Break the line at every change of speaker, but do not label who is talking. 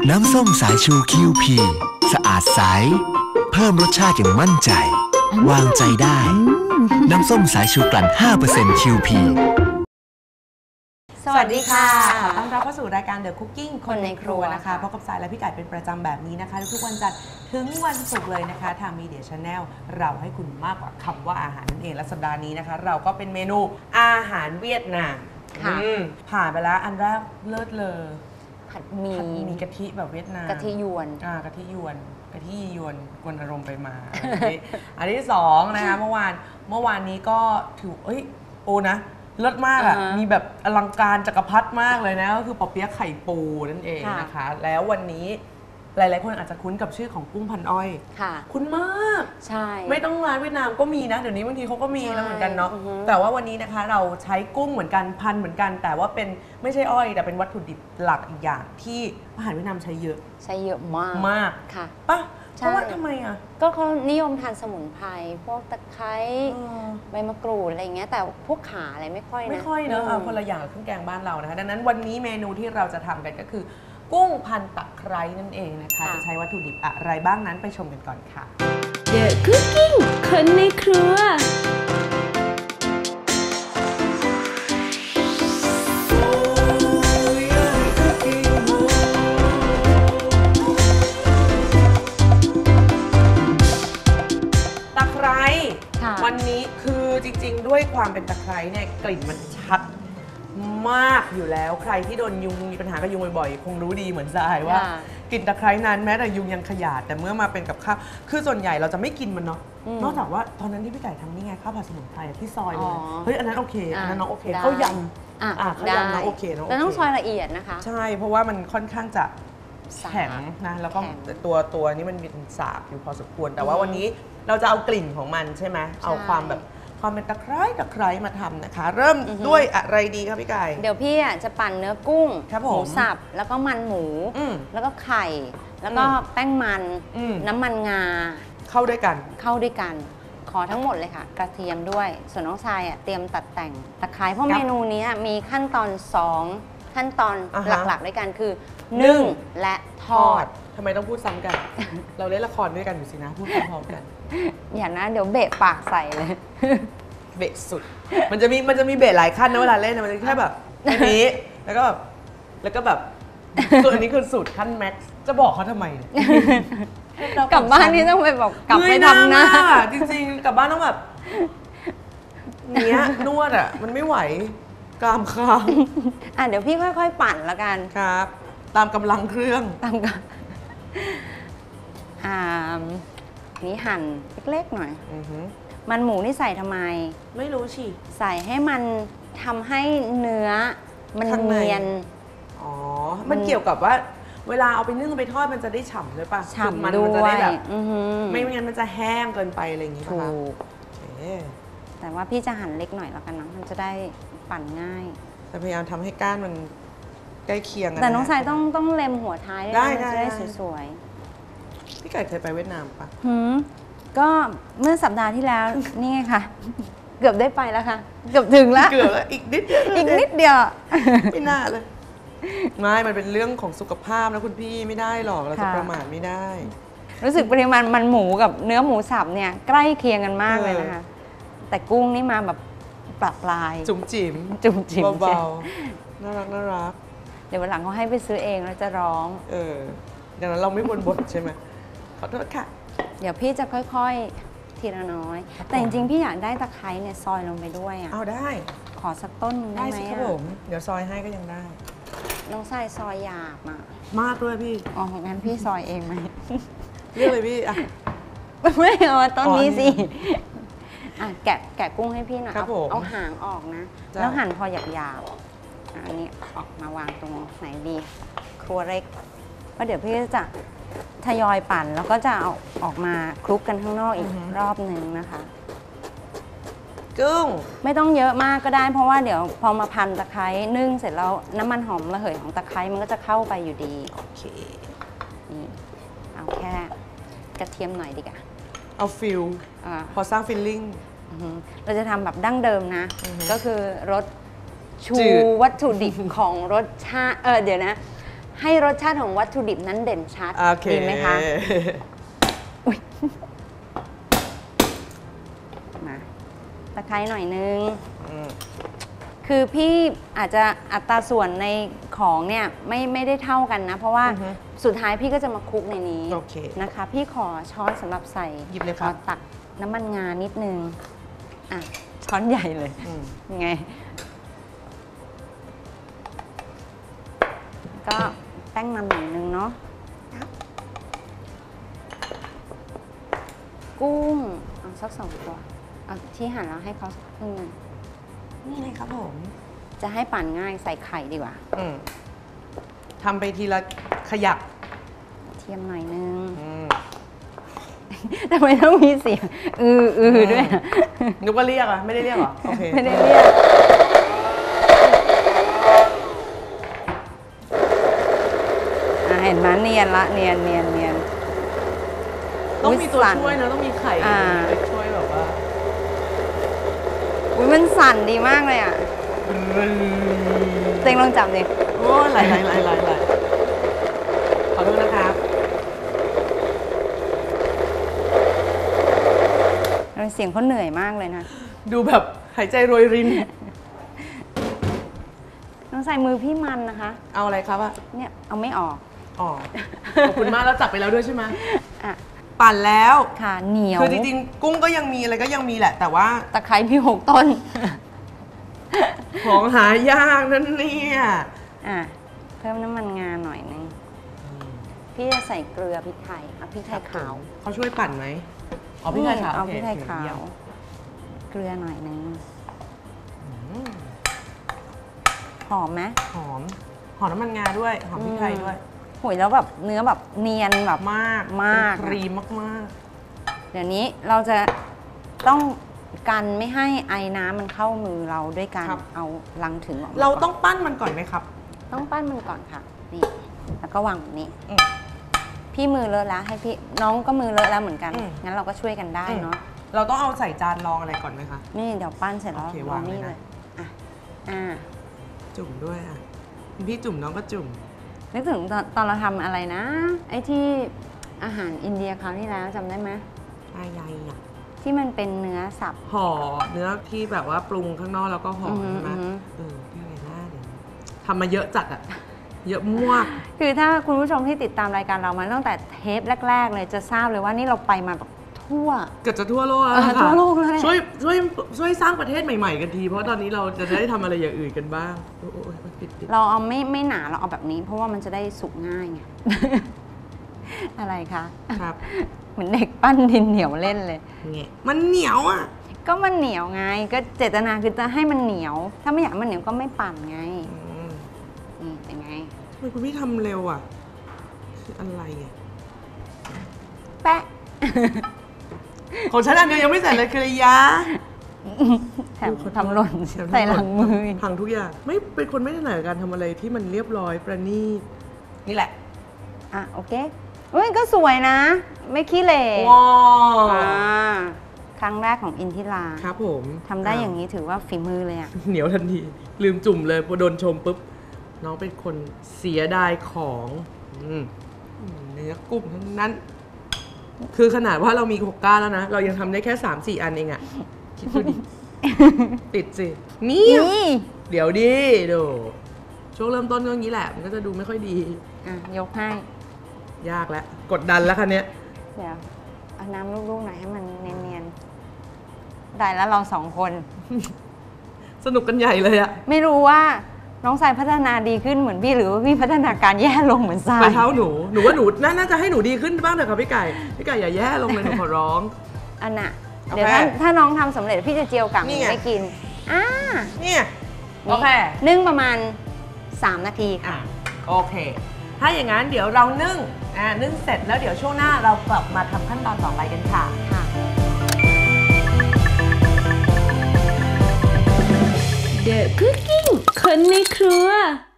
น้ำส้มสายชูคิวพีสะอาดใสเพิ่มรสชาติอย่างมั่นใจวางใจได้น้ำส้มสายชูกลั่น 5% คิวพี
สวัสดีค่ะขอต้อนรับเข้าสู่รายการ The Cooking คนในครัวนะคะพบกับสายและพี่ไก่เป็นประจำแบบนี้นะคะทุกวันจันทร์ถึงวันศุกร์เลยนะคะทาง Media Channel เราให้คุณมากกว่าคำว่าอาหารนั่นเองและสัปดาห์นี้นะคะเราก็เป็นเมนูอาหารเวียดนามผ่านไปแล้วอันแรกเลิศเลย
ผัดหมี่
กะทิแบบเวียดนาม
กะทิยวน
กะทิยวนกวนอารมณ์ไปมาอันที่สองนะคะเมื่อวานนี้ก็ถือโอ้นะเลิศมากอ่ะมีแบบอลังการจักรพรรดิมากเลยนะก็คือปอเปี๊ยะไข่ปูนั่นเองนะคะแล้ววันนี้หลายๆคนอาจจะคุ้นกับชื่อของกุ้งพันอ้อยคุ้นมาก
ใช่
ไม่ต้องร้านเวียดนามก็มีนะเดี๋ยวนี้บางทีเขาก็มีแล้วเหมือนกันเนาะแต่ว่าวันนี้นะคะเราใช้กุ้งเหมือนกันพันเหมือนกันแต่ว่าเป็นไม่ใช่อ้อยแต่เป็นวัตถุดิบหลักอีกอย่างที่อาหารเวียดนามใช้เยอะมาก
ค่ะ
ป่ะเพราะว่าทำไมอ่ะ
ก็เขานิยมทานสมุนไพรพวกตะไคร้ใบมะกรูดอะไรเงี้ยแต่พวกขาอะไรไม่ค่อย
เนอะคนละอย่างกับเครื่องแกงบ้านเรานะคะดังนั้นวันนี้เมนูที่เราจะทำกันก็คือกุ้งพันตะไคร้นั่นเองนะคะจะใช้วัตถุดิบอะไรบ้างนั้นไปชมกันก่อนค่ะ
The Cooking คนในครัว
วันนี้คือจริงๆด้วยความเป็นตะไคร้เนี่ยกลิ่นมันชัดมากอยู่แล้วใครที่โดนยุงมีปัญหากับยุงบ่อยๆคงรู้ดีเหมือนทรายว่ากลิ่นตะไคร้นั้นแม้แต่ยุงยังขยาดแต่เมื่อมาเป็นกับข้าวคือส่วนใหญ่เราจะไม่กินมันเนาะนอกจากว่าตอนนั้นที่พี่ไก่ทำนี่ไงข้าวผัดสมุนไพรที่ซอยเลยเฮ้ยอันนั้นโอเคอันนั้นน้องโอเคข้าวยำข้าวยำน้องโอเค
แต่ต้องซอยละเอียดนะคะ
ใช่เพราะว่ามันค่อนข้างจะแข็งนะแล้วก็ตัวนี้มันมีสาบอยู่พอสมควรแต่ว่าวันนี้เราจะเอากลิ่นของมันใช่ไหมเอาความเป็นตะไคร้มาทำนะคะเริ่มด้วยอะไรดีครับพี่ไก่
เดี๋ยวพี่จะปั่นเนื้อกุ้งหมูสับแล้วก็มันหมูแล้วก็ไข่แล้วก็แป้งมันน้ำมันงา
เข้าด้วยกัน
ขอทั้งหมดเลยค่ะกระเทียมด้วยส่วนน้องชายเตรียมตัดแต่งตะไคร้เพราะเมนูนี้มีขั้นตอน2ขั้นตอนหลักๆด้วยกันคือนึ่งและทอด
ทำไมต้องพูดซ้ำกัน เราเล่นละครด้วยกันอยู่สินะพูดพร้อมกัน
อย่านะเดี๋ยวเบะปากใส่เลย
เบะสุดมันจะมีเบะหลายขั้นนะเวลาเล่นมันจะแค่แบบอันนี้แล้วก็แบบส่วนอันนี้คือสุดขั้นแม็กซ์จะบอกเขาทำไม
กลับบ้านนี่ต้องไปบอกกลับไปทำหน้า
จริงๆกลับบ้านต้องแบบเนี้ยนวดอ่ะมันไม่ไหวกรามค้าง
เดี๋ยวพี่ค่อยๆปั่นแล้วกัน
ครับตามกำลังเครื่อง
นี่หั่นเล็กๆหน่อยมันหมูนี่ใส่ทำไม
ไม่รู้สิ
ใส่ให้มันทำให้เนื้อมันเนียน
มันเกี่ยวกับว่าเวลาเอาไปนึ่งไปทอดมันจะได้ฉ่ำด้วยป่ะ
ฉ่ำมันจะได้แบบ
ไม่งั้นมันจะแห้งเกินไปอะไรอย่างงี้ป่ะคะ
แต่ว่าพี่จะหั่นเล็กหน่อยแล้วกันนะมันจะได้ปั่นง่าย
แต่พยายามทำให้ก้านมันใกล้เคียงกัน
แต่น้องชายต้องเล็มหัวท้าย
ได้
จะได้สวย
ๆพี่ไก่เคยไปเวียดนามปะ
ก็เมื่อสัปดาห์ที่แล้วนี่ไงค่ะเกือบได้ไปแล้วค่ะเกือบถึงแล้ว
อีกนิดเดียวไม่น่าเลยไม่มันเป็นเรื่องของสุขภาพนะคุณพี่ไม่ได้หรอกเราจะประมาทไม่ได้
รู้สึกปริมาณมันหมูกับเนื้อหมูสับเนี่ยใกล้เคียงกันมากเลยนะคะแต่กุ้งนี่มาแบบปลาย
จุ๋มจิ๋มเบาๆน่ารัก
เดี๋ยววันหลังเขาให้ไปซื้อเองแล้วจะร้อง
อย่างนั้นเราไม่บ่นใช่ไหมขอโทษค่ะ
เดี๋ยวพี่จะค่อยๆทีละน้อยแต่จริงๆพี่อยากได้ตะไคร้เนี่ยซอยลงไปด้วย
เอาได้
ขอสักต้นนึงได้ไหม
ครับผมเดี๋ยวซอยให้ก็ยังได้
น้องชายซอยหยาบ
มากด้วยพี่
งั้นพี่ซอยเองไหม
เรียกเลยพี่
ไม่เอาต้นนี้สิแกะกุ้งให้พี่หน่อยเอาหางออกนะแล้วหั่นพอหยาบอันนี้ออกมาวางตรงไหนดีครัวเล็กเพราะเดี๋ยวพี่จะทยอยปั่นแล้วก็จะเอาออกมาคลุกกันข้างนอกอีกรอบนึงนะคะ
กุ้ง
ไม่ต้องเยอะมากก็ได้เพราะว่าเดี๋ยวพอมาพันตะไคร้นึ่งเสร็จแล้วน้ำมันหอมระเหยของตะไคร้มันก็จะเข้าไปอยู่ดี
โอเค
นี่เอาแค่กระเทียมหน่อยดีกว่า
เอาฟิลพอสร้างฟิลลิ่ง
เราจะทำแบบดั้งเดิมนะก็คือรสชูวัตถุดิบของรสชาติเดี๋ยวนะให้รสชาติของวัตถุดิบนั้นเด่นชัด
โอเค
ดีไหมคะอุ๊ยมาตะไคร้หน่อยนึง คือพี่อาจจะอัตราส่วนในของเนี่ยไม่ได้เท่ากันนะ เพราะว่าสุดท้ายพี่ก็จะมาคลุกในนี้
โอเค
นะคะ พี่ขอช้อนสำหรับใส่
หยิบเลยครับ
ขอตักน้ำมันงานิดนึงอ่ะช้อนใหญ่เลยยังไง ก็แป้งมันหน่อยนึงเนาะกุ้งเอาสัก2 ตัวเอาที่หั่นแล้วให้เขาสักครึ่งนึง
นี่เลยครับผม
จะให้ปั่นง่ายใส่ไข่ดีกว่า
ทำไปทีละขยัก
เทียมหน่อยนึงทำไมต้องมีเสียงด้วยอะ
นึกว่าเรียกอะไม่ได้เรียกเหรอ โอเค
ไม่ได้เรียกเห็นไหมเนียนละเนียน
ต้องมีตัว
สั่น
ช่วยนะ ต้องมีไข่ ไปช่วยแบบว่า
อุ๊ยมันสั่นดีมากเลยอ่ะเต็งลองจับดิ
โอ้ไหลขอโทษนะครับ
เสียงเขาเหนื่อยมากเลยนะ
ดูแบบหายใจโรยริน
ต้องใส่มือพี่มันนะคะ
เอาอะไรครับอะ
เนี่ยเอาไม่ออก
อ๋อ ขอบคุณมากแล้วจับไปแล้วด้วยใช่ไหม
อ่ะ
ปั่นแล้ว
ค่ะเหนียว
คือจริงๆกุ้งก็ยังมีอะไรก็ยังมีแหละ แต่ว่า
ตะไคร้พี่6 ต้น
ของหายากนั่นเนี่ย
อ่ะเพิ่มน้ำมันงาหน่อยนึงพี่จะใส่เกลือพริกไทยเอาพริกไทยขาว
เขาช่วยปั่นไหมอ๋อพี่ไทยขาว
เอา
โอเค
พริกไทยขาว
เยี่ยม
เกลือหน่อยนึงหอมไหม
หอมน้ำมันงาด้วย หอมพริกไทยด้วย
โหยแล้วแบบเนื้อแบบเนียนแบบ
มาก
มาก
เป็นครีมมาก
เดี๋ยวนี้เราจะต้องกันไม่ให้ไอ้น้ำมันเข้ามือเราด้วยการเอาลังถึงออกมา
ๆ เรา
ก่น
ต้องปั้นมันก่อนไหมครับ
ต้องปั้นมันก่อนค่ะนี่แล้วก็วางแบบนี้
อืม
พี่มือเลอะแล้วให้พี่น้องก็มือเลอะแล้วเหมือนกัน
อืม
งั้นเราก็ช่วยกันได้เนาะ
เราต้องเอาใส่จานรองอะไรก่อนไหมคะ
นี่เดี๋ยวปั้นเสร็จแล้ว
โอเค
รอ
วางเลย
นี่
นะ
เลยอ่ะ
จุ่มด้วยอ่ะพี่จุ่มน้องก็จุ่ม
นึกถึงตอนเราทำอะไรนะ ไอ้ที่อาหารอินเดียคราวที่แล้วจำได้ไหม
อะไรอ่ะ
ที่มันเป็นเนื้อสับ
ห่อเนื้อที่แบบว่าปรุงข้างนอกแล้วก็ห่อ
อือหือ
ใช่ไหม
อือหือ
ที่อะไรหน้าเดี๋ยวทำมาเยอะจัดอ่ะ เยอะมาก
คือถ้าคุณผู้ชมที่ติดตามรายการเรามาตั้งแต่เทปแรก ๆ เลยจะทราบเลยว่านี่เราไปมาแบบทั่ว
เกือบจะทั่วโลกแล้วค่ะ
ทั่วโลกแล้วแหละ
ช่วยสร้างประเทศใหม่ๆกันที เพราะตอนนี้เราจะได้ทำอะไรอย่างอื่นกันบ้าง โอ้ยปิด
เราเอาไม่หนาเราเอาแบบนี้ เพราะว่ามันจะได้สุกง่ายไง อะไรคะ
ครับ
เหมือนเด็กปั้นดินเหนียวเล่นเลย
เงี้ยมันเหนียวอ่ะ
ก็มันเหนียวไง ก็เจตนาคือจะให้มันเหนียว ถ้าไม่อยากให้มันเหนียวก็ไม่ปั่นไงนี่เป็นไง
ทำไมคุณพี่ทำเร็วอ่ะคืออะไรอ่ะ
แปะ
ของฉันอันเดียวยังไม่เสร็จเลยคือระยะ
แถมทำหล่นใส่หลังมือ
พังทุกอย่างไม่เป็นคนไม่ถนัดกับการทำอะไรที่มันเรียบร้อยประณีตนี่แหละ
อ่ะโอเคเฮ้ยก็สวยนะ ไม่ขี้เหร่
ว้าว
อ่าครั้งแรกของอินทิรา
ครับผม
ทำได้อย่างนี้ถือว่าฝีมือเลยอ่ะ
เหนียวทันที ลืมจุ่มเลยพอโดนชมปุ๊บ น้องเป็นคนเสียดายของเนื้อกุ้งทั้งนั้น คือขนาดว่าเรามี6 ก้านแล้วนะ เรายังทำได้แค่ 3-4 อันเองอะคิดดูดิ ติดสินี่
นี่
เดี๋ยวดิดูช่วงเริ่มต้นก็อย่างนี้แหละ มันก็จะดูไม่ค่อยดี
อ่ะยกให้
ยากแล้ว กดดันแล้วคันเนี้ย
เดี๋ยวเอาน้ำลูกๆหน่อยให้มันเนียนๆ ได้แล้วเรา2 คน
สนุกกันใหญ่เลยอะ
ไม่รู้ว่าน้องทรายพัฒนาดีขึ้นเหมือนพี่หรือว่าพี่พัฒนาการแย่ลงเหมือนทรา
ไป
ย
เท้าหนูว่าหนูน่าจะให้หนูดีขึ้นบ้างเถอะค่ะพี่ไก่อย่าแย่ลงเลยหนูขอร้อง
อันน่ะ
โอเค
เดี๋ยวถ้าน้องทำสำเร็จพี่จะเจียวกากห
นี่
มู
ไง
ให้กินอ่า
เนี่ยโอเค
นึ่งประมาณ3 นาทีค่ะ
โอเค ถ้าอย่างนั้นเดี๋ยวเรานึ่งเสร็จแล้วเดี๋ยวช่วงหน้าเรากลับมาทำขั้นตอนต่อไปกันค่ะ
ค่ะ
The Cooking คนในครัว